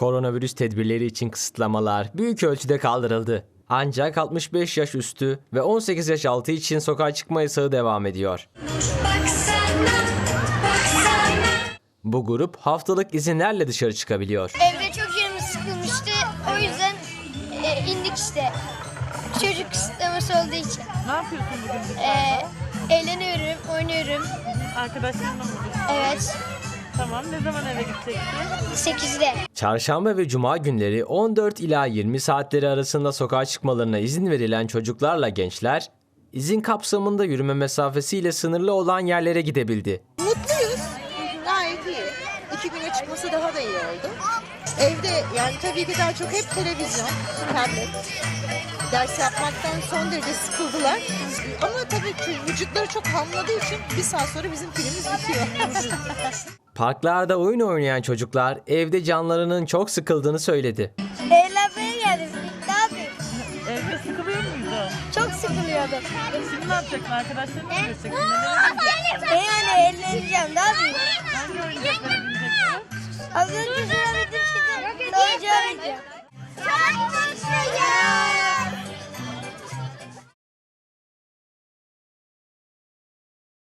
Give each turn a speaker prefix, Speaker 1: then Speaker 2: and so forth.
Speaker 1: Koronavirüs tedbirleri için kısıtlamalar büyük ölçüde kaldırıldı. Ancak 65 yaş üstü ve 18 yaş altı için sokağa çıkma yasağı devam ediyor. Bu grup haftalık izinlerle dışarı çıkabiliyor.
Speaker 2: Evde çok canımız sıkılmıştı. O yüzden indik işte. Çocuk kısıtlaması olduğu için.
Speaker 3: Ne yapıyorsun bugün dışarıda?
Speaker 2: Eğleniyorum, oynuyorum.
Speaker 3: Arkadaşlarınla mı buluştun?
Speaker 2: Evet.
Speaker 3: Tamam. Ne zaman eve gideceksin?
Speaker 2: 8'de.
Speaker 1: Çarşamba ve cuma günleri 14 ila 20 saatleri arasında sokağa çıkmalarına izin verilen çocuklarla gençler, izin kapsamında yürüme mesafesiyle sınırlı olan yerlere gidebildi.
Speaker 4: Mutluyuz. Gayet iyi. 2 güne çıkması daha da iyi oldu. Evde yani tabii ki daha çok hep televizyon, tablet. Ders yapmaktan son derece sıkıldılar. Ama tabii vücutları çok hamladığı için bir saat sonra bizim pilimiz bitiyor.
Speaker 1: Parklarda oyun oynayan çocuklar evde canlarının çok sıkıldığını söyledi.
Speaker 2: Eğlenmeye geldim. Ne yapayım?
Speaker 3: Evde sıkılıyor muydun?
Speaker 2: Çok sıkılıyordum.
Speaker 3: Şimdi ne yapacaksın? Arkadaşlarınla mı görüşeceksin? Neler yapacaksın?
Speaker 2: Yani eğleneceğim. Ne yapayım?
Speaker 3: Hangi oyuncaklara bineceksin?
Speaker 2: Az önce